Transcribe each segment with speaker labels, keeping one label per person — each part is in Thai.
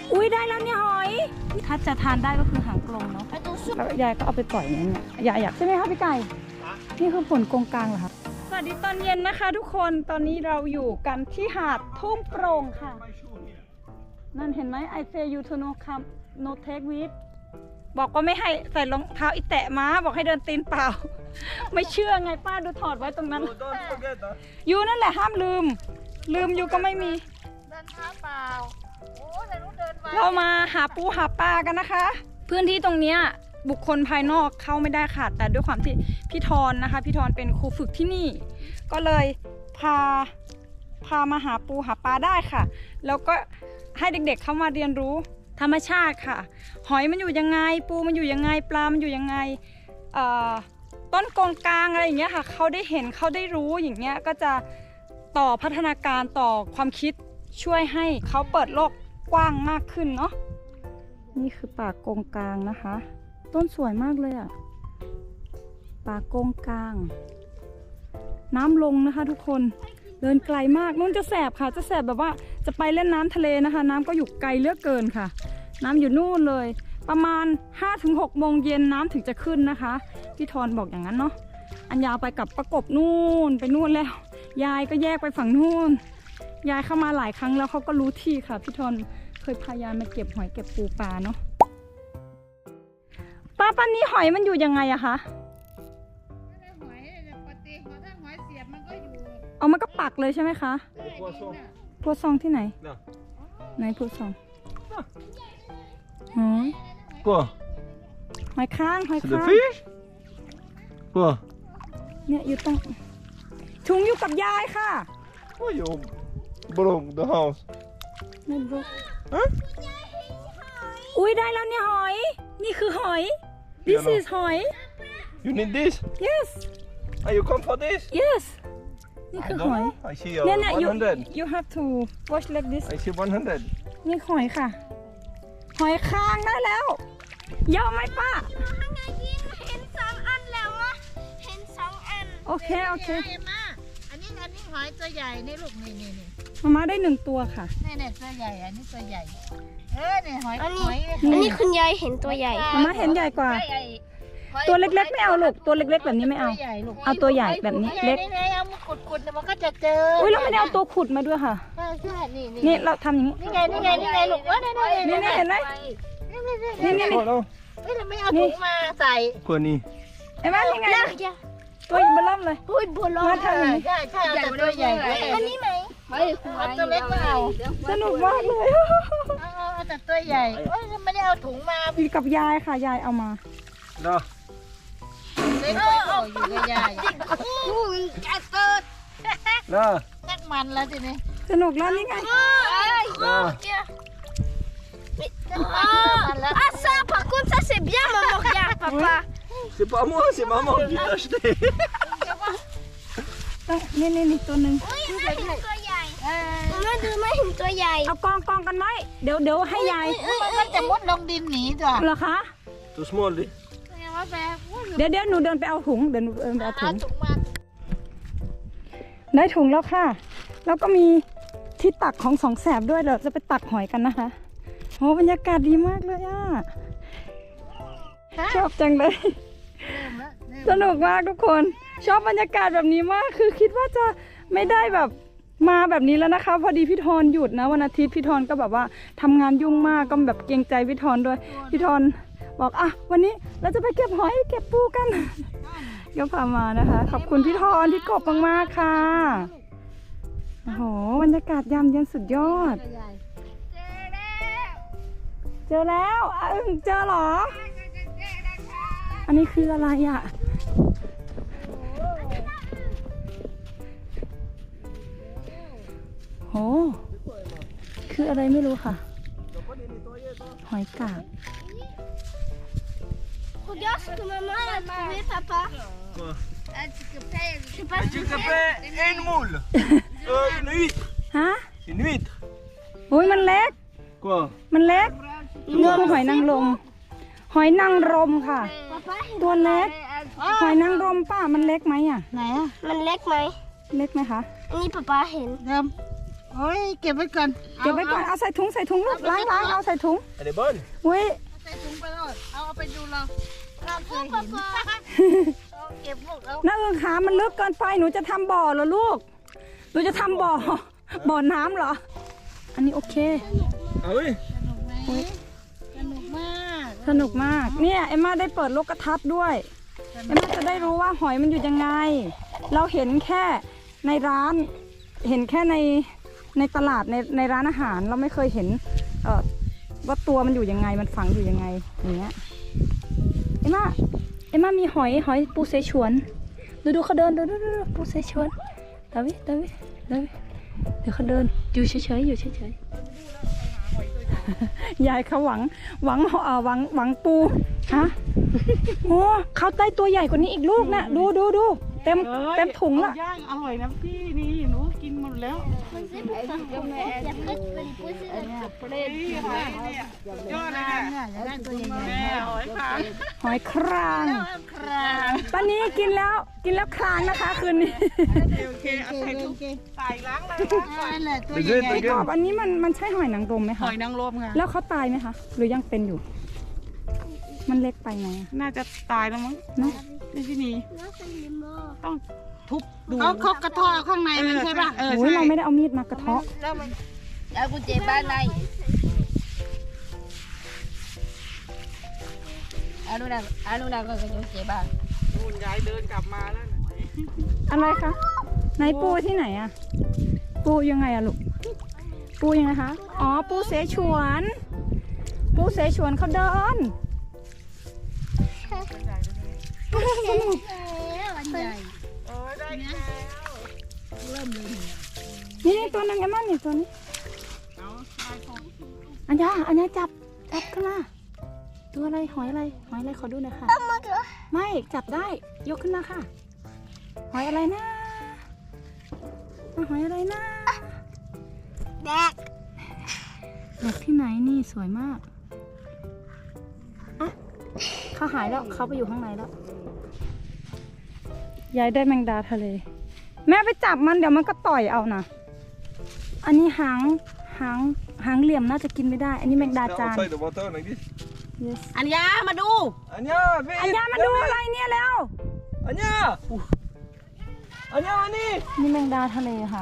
Speaker 1: อุ้ยได้แล้วเนี่ยหอยถ้าจะทานได้ก็คือหางกลมเนาะแล้วยายก็เอาไปปล่อยอย่างเงี้ยยายอยากใช่ไหมคะพี่ไก่นี่คือผลกงกลางเหรอคะสวัสดีตอนเย็นนะคะทุกคนตอนนี้เราอยู่กันที่หาดทุ่งโปร่งค่ะนั่นเห็นไหม I say you to no come no take with บอกว่าไม่ให้ใส่รองเท้าอีแตะม้าบอกให้เดินตีนเปล่า ไม่เชื่อไงป้าดูถอดไว้ตรงนั้นยูนั่นแหละห้ามลืมยูก็ไม่มี
Speaker 2: เดินเท้าเปล่าโอ้แต่รู้เดินไว
Speaker 1: เรามาหาปูหาปลากันนะคะพื้นที่ตรงนี้บุคคลภายนอกเข้าไม่ได้ค่ะแต่ด้วยความที่พี่ธรนะคะพี่ธรเป็นครูฝึกที่นี่ก็เลยพามาหาปูหาปลาได้ค่ะแล้วก็ให้เด็กๆเข้ามาเรียนรู้ธรรมชาติค่ะหอยมันอยู่ยังไงปูมันอยู่ยังไงปลามันอยู่ยังไงต้นกงกลางอะไรอย่างเงี้ยค่ะเขาได้เห็นเขาได้รู้อย่างเงี้ยก็จะต่อพัฒนาการต่อความคิดช่วยให้เขาเปิดโลกกว้างมากขึ้นเนาะนี่คือป่ากงกลางนะคะต้นสวยมากเลยอ่ะป่ากงกลางน้ำลงนะคะทุกคนเดินไกลมากนู่นจะแสบค่ะจะแสบแบบว่าจะไปเล่นน้ำทะเลนะคะน้ำก็อยู่ไกลเหลือเกินค่ะน้ำอยู่นู่นเลยประมาณ 5-6 โมงเย็นน้ำถึงจะขึ้นนะคะพี่ธรบอกอย่างนั้นเนาะอันยาวไปกับประกบนู่นไปนู่นแล้วยายก็แยกไปฝั่งนู่นยายเข้ามาหลายครั้งแล้วเขาก็รู้ที่ค่ะพี่ธรเคยพายายมาเก็บหอยเก็บปูปลาเนาะป้านี้หอยมันอยู่ยังไงอะคะ
Speaker 2: หอยปกติถ้าหอยเสียบมันก็อยู่
Speaker 1: เอามันก็ปักเลยใช่ไหมคะพัวซองที่ไหนไหนพัวซองหอยหอยค้างเนี่ยอยู่ตรงถุงอยู่กับยายค่ะ
Speaker 3: โอ้ยบลง the house
Speaker 1: ไม่บล็อกอุ้ยได้แล้วเนี่ยหอยนี่คือหอย this is หอย
Speaker 3: you need this
Speaker 1: yes
Speaker 3: are you come for this
Speaker 1: yes นี่คือหอย
Speaker 3: I see
Speaker 1: เนี่ย
Speaker 3: 100
Speaker 1: you have to watch like this
Speaker 3: I see 100
Speaker 1: นี่หอยค่ะหอยค้างได้แล้วยาวไหมป้า
Speaker 2: เห็น2 อันแล้ววะเห็น2 อัน
Speaker 1: โอเค
Speaker 2: มาอันนี้หอยตัวใหญ่นี่ลูกนี่
Speaker 1: มาได้1 ตัวค่ะ
Speaker 2: นี่ตัวใหญ่อันนี้ตัวใหญ่เนี่ยหอย
Speaker 4: อันนี้คุณยายเห็นตัวใหญ่
Speaker 1: มาเห็นใหญ่กว่าตัวเล็กๆไม่เอาลูกตัวเล็กๆแบบนี้ไม่เอาเอาตัวใหญ่แบบนี้เล็ก
Speaker 2: เอามาขุดมันก็จะเจอ
Speaker 1: อุ้ยเราไม่ได้เอาตัวขุดมาด้วยค่ะ
Speaker 2: ใช่
Speaker 1: นี่เราทำอย่างนี้
Speaker 2: นี่ไงลูก
Speaker 1: นี่เห็นไหมนี่
Speaker 2: เราไม่เอาถุงมาใส่
Speaker 3: คนนี้
Speaker 1: เห็นไหมนี่ไงตัวเบล่ำเลยมาทำอย่างนี้
Speaker 2: ใช่ตัวใหญ่
Speaker 4: อันนี้ไหม
Speaker 2: เอาตัวเล็กมาเอา
Speaker 1: สนุกมากเลย
Speaker 2: เอาแต่ตัวใหญ่ไม่ได้เอาถุงมา
Speaker 1: อยู่กับยายค่ะยายเอามา
Speaker 3: เนาะ
Speaker 2: เล็กอยู่กับยาย
Speaker 3: เนาะ
Speaker 2: นักมันแล้วทีนี้
Speaker 1: สนุกแล้วนี่ไง
Speaker 4: Ah ça par contre ça c'est bien maman regarde papa
Speaker 3: c'est pas moi c'est maman qui l'a acheté
Speaker 1: นี่ตัวนึง
Speaker 4: ตัวใหญ่มาดูไม่เห็นตัวใหญ่
Speaker 1: เอากองกันไหมเดี๋ยวให้ยาย
Speaker 2: มันจะมุดลงดินหนีจ้ะ
Speaker 1: เหรอคะ
Speaker 3: too small ดิ
Speaker 1: เดี๋ยวหนูเดินไปเอาถุงเดินไปเอาถุงได้ถุงแล้วค่ะแล้วก็มีที่ตักของสองแสบด้วยเดี๋ยวจะไปตักหอยกันนะคะโอ้บรรยากาศดีมากเลยอ่ะชอบจังเลยสนุกมากทุกคนชอบบรรยากาศแบบนี้มากคือคิดว่าจะไม่ได้แบบมาแบบนี้แล้วนะคะพอดีพี่ธรหยุดนะวันอาทิตย์พี่ธรก็แบบว่าทำงานยุ่งมากก็แบบเกรงใจพี่ธรด้วยพี่ธรบอกอ่ะวันนี้เราจะไปเก็บหอยเก็บปูกันก็พามานะคะขอบคุณพี่ธรที่กบมากๆค่ะโอ้โหบรรยากาศยามเย็นสุดยอดเจอแล้วเจอเหรออันนี้คืออะไรอ่ะโหคืออะไรไม่รู้ค่ะหอยกาบ
Speaker 4: Regarde ce que maman a trouvé papa
Speaker 3: Quoi
Speaker 4: Je sais pas
Speaker 3: tu te fais une moule une huître
Speaker 1: ฮะ
Speaker 3: une huître
Speaker 1: โอ้ยมันเล็ก
Speaker 3: Quoi
Speaker 1: มันเล็กนี่คือหอยนางรมหอยนางรมค่ะตัวเล็กหอยนางรมป้ามันเล็กไหมอ่ะ
Speaker 2: ไหนอ่ะ
Speaker 4: มันเล็กไหม
Speaker 1: เล็กไหมคะ
Speaker 4: อันนี้ป๊าป๊าเห็น
Speaker 5: โอ้ยเก็บไว้ก่อน
Speaker 1: เก็บไว้ก่อนเอาใส่ถุงลูกล้างเอาใส่ถุง
Speaker 3: Elle est bonne.
Speaker 1: อุ้ย
Speaker 5: ใส่ถุงไปเลยเอาไปดูเราเคยเห็นเก็บพวกเรา
Speaker 1: น้าเอิงขามันลึกเกินไปหนูจะทำบ่อเหรอลูกหนูจะทำบ่อน้ำเหรออันนี้โอเค
Speaker 3: Ah oui.
Speaker 5: สนุกมาก
Speaker 1: สนุกมากเนี่ยเอ็มม่าได้เปิดโลกทัศน์ด้วยเอ็มม่าจะได้รู้ว่าหอยมันอยู่ยังไง เราเห็นแค่ในร้านเห็นแค่ในตลาดในร้านอาหารเราไม่เคยเห็นว่าตัวมันอยู่ยังไงมันฝังอยู่ยังไงอย่างเงี้ยเอ็มม่ามีหอยปูเสฉวนดูเขาเดินดูปูเสฉวนเดวิเดี๋ยวเขาเดินอยู่เฉยยายเขาหวังปูฮะโอ้เขาได้ตัวใหญ่กว่านี้อีกลูกนะดูเต็มถุงละ
Speaker 5: ย่างอร่อยนะพี่นี่หนูกินหมดแล้ว
Speaker 3: ยอดเลยเนี่ย
Speaker 5: อยากได้ตัวใหญ่ๆแม่หอยคาง
Speaker 1: หอยครางป้านี้กินแล้วครางนะคะคืนนี้
Speaker 3: โอเคเอาใส่ถุงใส่ล้างเลย
Speaker 5: นั่นแหละตัว
Speaker 3: ไป
Speaker 5: ให
Speaker 3: เรื่
Speaker 5: ญ่
Speaker 3: อย
Speaker 1: กรอบอันนี้มันใช่หอยนางรมไหม
Speaker 5: ห
Speaker 1: คะ
Speaker 5: อยนางรมค่ะ
Speaker 1: แล้วเขาตายไหมคะหรือยังเป็นอยู่ มันเล็กไปไหมอะ
Speaker 5: น่าจะตายแล้วมั้ง
Speaker 1: เนาะ
Speaker 5: ที่นี่ต้องทุบดูเขากระเทาะข้างในมันใช่ป่ะ
Speaker 1: โอ้ยเราไม่ได้เอามีดมากระเทาะ
Speaker 2: เอากุญแจบ้านในอานุนาก็กุญแจบ้าน
Speaker 5: นู่นยายเดินกลับมาแล้ว
Speaker 1: อะไรคะไหนปูที่ไหนอะปูยังไงอะลูกปูยังไงคะอ๋อปูเสฉวนเขาเดินสนุก
Speaker 5: โอ้ยได้แล้ว
Speaker 1: นี่ตัวนึงไอ้มันนี่ตัวนี้
Speaker 5: เอาได้ของ
Speaker 1: อันยาจับขึ้นมาตัวอะไรหอยอะไรขอดูหน่อยค่ะไม่จับได้ยกขึ้นมาค่ะหอยอะไรนะหอยอะไรนะแดกที่ไหนนี่สวยมากอ่ะเขาหายแล้วเขาไปอยู่ข้างในแล้วยายได้แมงดาทะเล แม่ไปจับมันเดี๋ยวมันก็ต่อยเอานะอันนี้หางเหลี่ยมน่าจะกินไม่ได้ อันนี้แมงดาจาน
Speaker 3: Outside the water like this.
Speaker 1: yes
Speaker 5: อัญญามาดู
Speaker 3: Anja, vite!
Speaker 1: อันยามาดูอะไรเนี่ยแล้ว
Speaker 3: Anja! Anja, var ni?
Speaker 1: นี่แมงดาทะเลค่ะ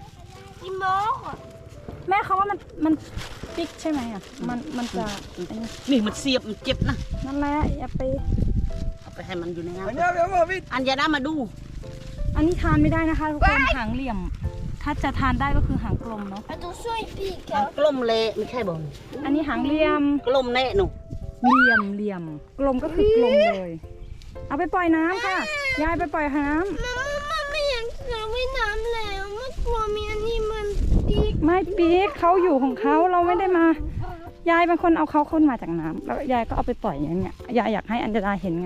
Speaker 1: แม่เขาว่ามันปิกใช่ไหมอ่ะมันจะอันนี้
Speaker 5: นี่มันเสียบมันเจ็บนะ
Speaker 1: นั่นแหละอย่าไป
Speaker 5: เอาไปให้มันอยู่ในน้ำ
Speaker 3: Anja, viens voir vite!
Speaker 5: อัญญานะมาดู
Speaker 1: อันนี้ทานไม่ได้นะคะทุกคนหางเหลี่ยม ถ้าจะทานได้ก็คือหางกลมเนาะ
Speaker 4: Attention, il pique.
Speaker 5: มันกลมเละไม่ใช่บอล
Speaker 1: อันนี้หางเหลี่ยม
Speaker 5: กลมแน่หนู
Speaker 1: เหลี่ยมกลมก็คือกลมเลย เอาไปปล่อยน้ำค่ะ ยายไปปล่อยน้
Speaker 4: มันไม่อยากจะว่ายน้ำแล้วมันกลัวมีอันนี้มันปีก
Speaker 1: ำไม่ปีกเขาอยู่ของเขาเราไม่ได้มา ยายเป็นคนเอาเขาขึ้นมาจากน้ำแล้วยายก็เอาไปปล่อยอย่างเงี้ยยายอยากให้อัญญาเห็นไง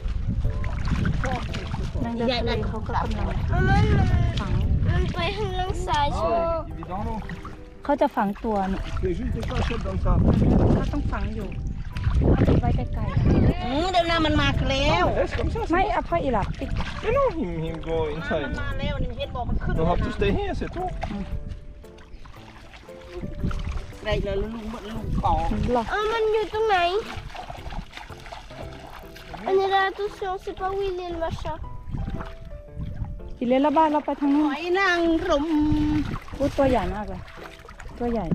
Speaker 1: นางเดินทะเลเขาก็กำลังฝัง
Speaker 4: มันไปทางล่างซ้ายใช่ไหม
Speaker 3: Il est dans l'eau.
Speaker 1: เขาจะฝังตัวเนี่ย
Speaker 3: C'est juste des cachettes dans le sable.
Speaker 1: เขาต้องฝังอยู่เอาไปไว้ไกลๆอะ
Speaker 5: เดี๋ยวน้ำมันมาแล้ว
Speaker 3: Reste comme ça.
Speaker 1: ไม่เอาพ่ออีหลับปิก
Speaker 3: Mais non, he'll go
Speaker 5: มัน
Speaker 3: inside.
Speaker 5: มาแล้วนี่เห็นบอกมันขึ้น
Speaker 3: We'll have to stay here, c'est tout.
Speaker 5: ไรเลยลุงปอก
Speaker 1: หรอ
Speaker 4: มันอยู่ตรงไหนอันนี้ attention c'est pas où il est le machin
Speaker 1: อีเลนละบ้านเราไปทาง
Speaker 5: ห
Speaker 1: นู้น
Speaker 5: อยนางรม
Speaker 1: พูดตัวใหญ่มากเลยตัวใหญ่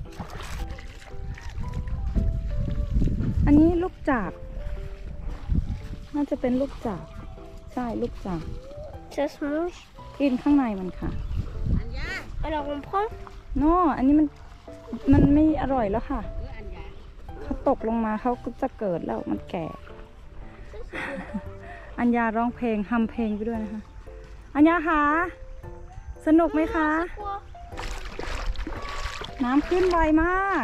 Speaker 1: อันนี้ลูกจากน่าจะเป็นลูกจากใช่ลูกจาก
Speaker 4: ça se mange
Speaker 1: กินข้างในมันค่ะ
Speaker 4: alors on prend
Speaker 1: โน่อันนี้มันไม่อร่อยแล้วค่ะเขาตกลงมาเขาก็จะเกิดแล้วมันแก่ อัญญาร้องเพลงฮัมเพลงไปด้วยนะคะอัญญาคะสนุกไหมคะ
Speaker 4: quoi
Speaker 1: น้ำขึ้นไวมาก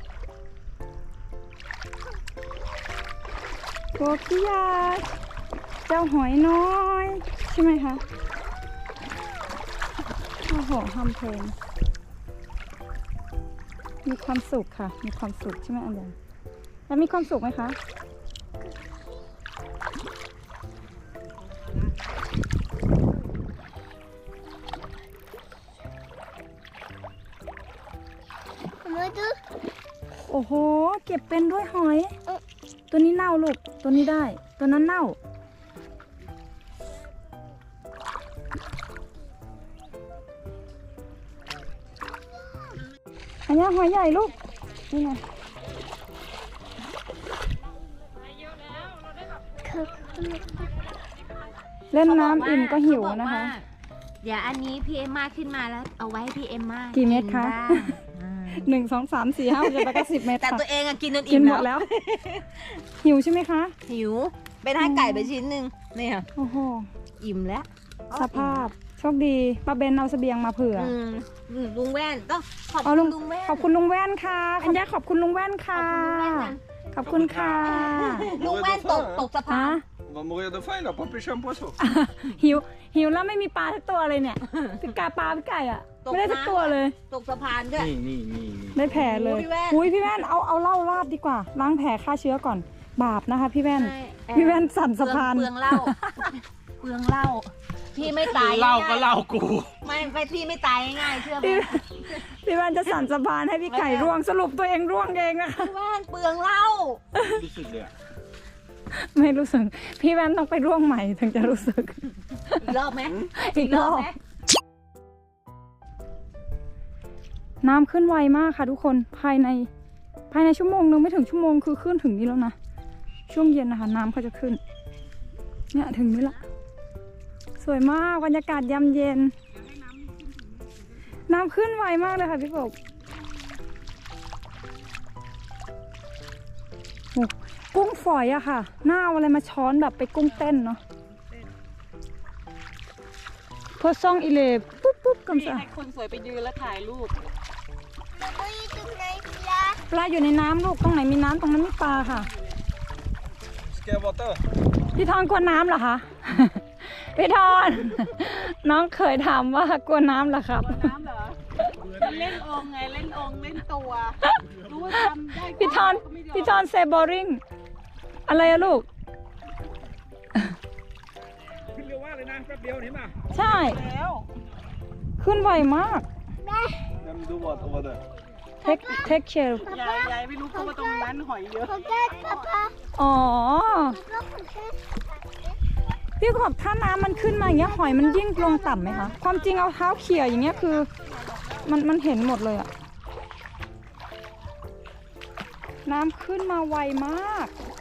Speaker 1: โกกิยาเจ้าหอยน้อยใช่ไหมคะโอ้โหฮัมเพลงมีความสุขค่ะมีความสุขใช่ไหมอันเดียแล้วมีความสุขไหมคะโอ้โห เก็บเป็นด้วยหอย ตัวนี้เน่าลูก ตัวนี้ได้ ตัวนั้นเน่า อันนี้หอยใหญ่ลูก นี่ไง เล่นน้ำอิ่มก็หิวนะคะ
Speaker 2: เดี๋ยวอันนี้พี่เอ็มมาขึ้นมาแล้วเอาไว้ให้พี่เอ็มมา
Speaker 1: กี่เม็ดคะ
Speaker 2: บ้าง
Speaker 1: 1 2 3 4 5 6 7 8 9 10 เมตร
Speaker 2: แต่
Speaker 1: ค่ะ
Speaker 2: ตัวเองอะกินจน
Speaker 1: กิ
Speaker 2: อิ่
Speaker 1: น
Speaker 2: ม
Speaker 1: หมดแล้ว หิวใช่ไหมคะ
Speaker 2: หิวไปทานไก่ไปชิ้นหนึ่งเนี่ย
Speaker 1: โอ้โห
Speaker 2: อิ่มแล้ว
Speaker 1: สภาพ โชคดีป้าเบนเอาเสบียงมาเผื่อ
Speaker 2: ลุงแว่นต้องขอบ
Speaker 1: เอา
Speaker 2: คุ
Speaker 1: ลุ
Speaker 2: ณ
Speaker 1: ง
Speaker 2: ลุงแว่น
Speaker 1: ขอบคุณลุงแว่นค่ะอัญญาขอบคุณลุงแว่นค่ะ ขอบคุณค่ะ
Speaker 2: ลุงแว่นตกสะพา
Speaker 1: ฮะ
Speaker 2: น
Speaker 3: On va mourir de faim, il a pas pêché un poisson.
Speaker 1: หิวแล้วไม่มีปลาสักตัวเลยเนี่ยพี่กาปลาพี่ไก่อ่ะ ไม่ได้สักตัวเลย
Speaker 2: ตกสะพานด้วย
Speaker 3: นี่
Speaker 1: ได้แผลเลย
Speaker 2: โอ้พี่แว่น
Speaker 1: อุ้ยพี่แว่นเอาเหล้าราดดีกว่า ล้างแผลฆ่าเชื้อก่อน บาปนะคะ พี่แว่น
Speaker 2: ใช่
Speaker 1: พี่แว่นสั่นสะพาน
Speaker 2: เปลืองเหล้าเปลืองเหล้าพี่ไม่ตาย
Speaker 3: เล่าก็
Speaker 2: ง่ยๆ
Speaker 3: เล่ากู
Speaker 2: ไม่พี่ไม่ตายง่ายๆเชื่อไหม
Speaker 1: พี่แว่นจะสั่นสะพานให้พี่ไก่ร่วงสรุปตัวเองร่วงเองนะคะ
Speaker 2: พี่แว่นเปลืองเหล้า
Speaker 3: รู้สึกเลยอะ
Speaker 1: ไม่รู้สึก พี่แว่นต้องไปร่วงใหม่ถึงจะรู้สึก
Speaker 2: อีกรอบไหม
Speaker 1: อีกรอบ
Speaker 2: ไหม
Speaker 1: น้ำขึ้นไวมากค่ะทุกคนภายในชั่วโมงนึงไม่ถึงชั่วโมงคือขึ้นถึงนี้แล้วนะช่วงเย็นนะคะน้ำเขาจะขึ้นเนี่ยถึงนี้ละสวยมากบรรยากาศยามเย็น น้ำขึ้นไวมากเลยค่ะพี่กบโอ้กุ้งฝอยอะค่ะหน้าเอาอะไรมาช้อนแบบไปกุ้งเต้นเนาะพอซ่องอีเลปุ๊บกำซะ
Speaker 5: ให้คนสวยไปยืนแล้วถ่ายรูป
Speaker 4: เราอยู่ตรงไหนล่ะ
Speaker 1: ปลาอยู่ในน้ำลูกตรงไหนมีน้ำตรงนั้นมีปลาค่ะ
Speaker 3: Ska jag vara där?
Speaker 1: พี่ทอนกลัวน้ำเหรอคะ พี่ทอน น้องเคยถามว่ากลัวน้ำเหรอครับ
Speaker 5: น้ำเหรอมันเล่นองค์ไงเล่นองค์เล่นตัว รู้ว่าทำได้
Speaker 1: พี่ทอน
Speaker 5: ก็ไม่ยม
Speaker 1: พี่ทอนเซบอริงอะไรอะลูก
Speaker 3: ขึ้นเร็วมากเลยนะแป๊บเดียวเห็นป่ะ
Speaker 1: ใช่
Speaker 5: แล้ว
Speaker 1: ขึ้นไวมาก
Speaker 3: Men du var over där.
Speaker 1: เทคเชล
Speaker 5: ยายไม่รู้เพราะว่าตรงนั้นหอยเยอะ
Speaker 4: ขอแก้ปะปะ
Speaker 1: อ๋อ
Speaker 4: ก็ขอแก้
Speaker 1: พี่ขอบถ้าน้ำมันขึ้นมาอย่างเงี้ยหอยมันยิ่งลงต่ำไหมคะ ความจริงเอาเท้าเขี่ยอย่างเงี้ยคือ มันเห็นหมดเลยอะน้ำขึ้นมาไวมาก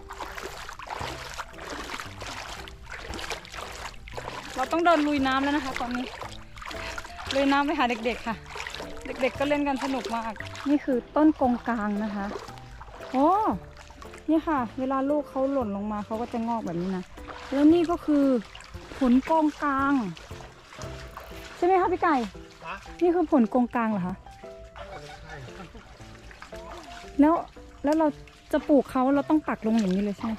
Speaker 1: เราต้องเดินลุยน้ำแล้วนะคะตอนนี้ลุยน้ำไปหาเด็กๆค่ะ เด็กๆก็เล่นกันสนุกมาก นี่คือต้นกงกลางนะคะโอ้นี่ค่ะ เวลาลูกเขาหล่นลงมาเขาก็จะงอกแบบนี้นะแล้วนี่ก็คือผลกงกลางใช่ไหมคะพี่ไก่นี่คือผลกงกลางเหรอคะแล้วเราจะปลูกเขาเราต้องปักลงอย่างนี้เลยใช่ไหม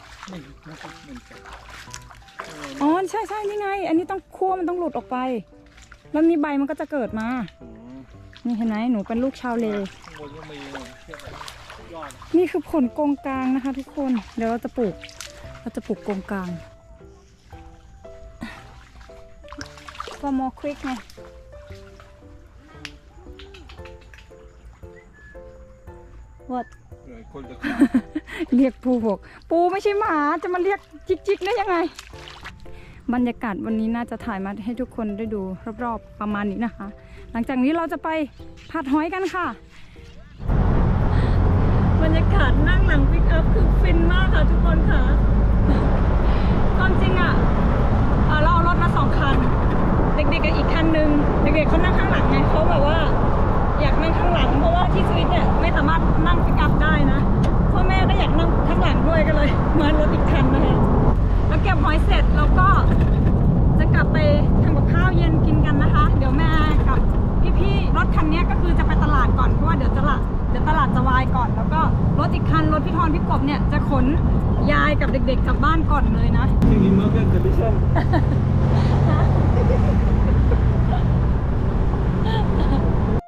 Speaker 1: อ๋อใช่นี่ไง อันนี้ต้องคั่วมันต้องหลุดออกไป แล้วนี่ใบมันก็จะเกิดมา นี่เห็นไหมหนูเป็นลูกชาวเล
Speaker 3: ข้างบนก็มียอด
Speaker 1: นี่คือผลกงกลางนะคะ ทุกคน เดี๋ยวเราจะปลูกกงกลางก็มอควิกไงวัด
Speaker 3: คนจะ
Speaker 1: เรียกปูบอกปูไม่ใช่หมาจะมาเรียกจิกๆได้ยังไง บรรยากาศวันนี้น่าจะถ่ายมาให้ทุกคนได้ดูรอบๆประมาณนี้นะคะ หลังจากนี้เราจะไปผัดหอยกันค่ะ บรรยากาศนั่งหลังปิกอัพคือฟินมากค่ะทุกคนค่ะความจริงอ่ะเราเอารถมา2 คัน เด็กๆกับอีกคันนึงเด็กๆเขานั่งข้างหลังไงเขาแบบว่าอยากนั่งข้างหลังเพราะว่าที่สวิตเนี่ยไม่สามารถนั่งปิกอัพได้นะพ่อแม่ก็อยากนั่งข้างหลังด้วยก็เลยมารถอีกคันนะคะแล้วเก็บหอยเสร็จเราก็จะกลับไปทำกับข้าวเย็นกินกันนะคะ เดี๋ยวแม่กับพี่ๆรถคันนี้ก็คือจะไปตลาดก่อนเพราะว่าเดี๋ยวตลาดจะวายก่อน แล้วก็รถอีกคันรถพี่ทอนพี่กบเนี่ยจะขนยายกับเด็กๆกลับบ้านก่อนเลยนะ
Speaker 3: Ingen muggen till Bichen.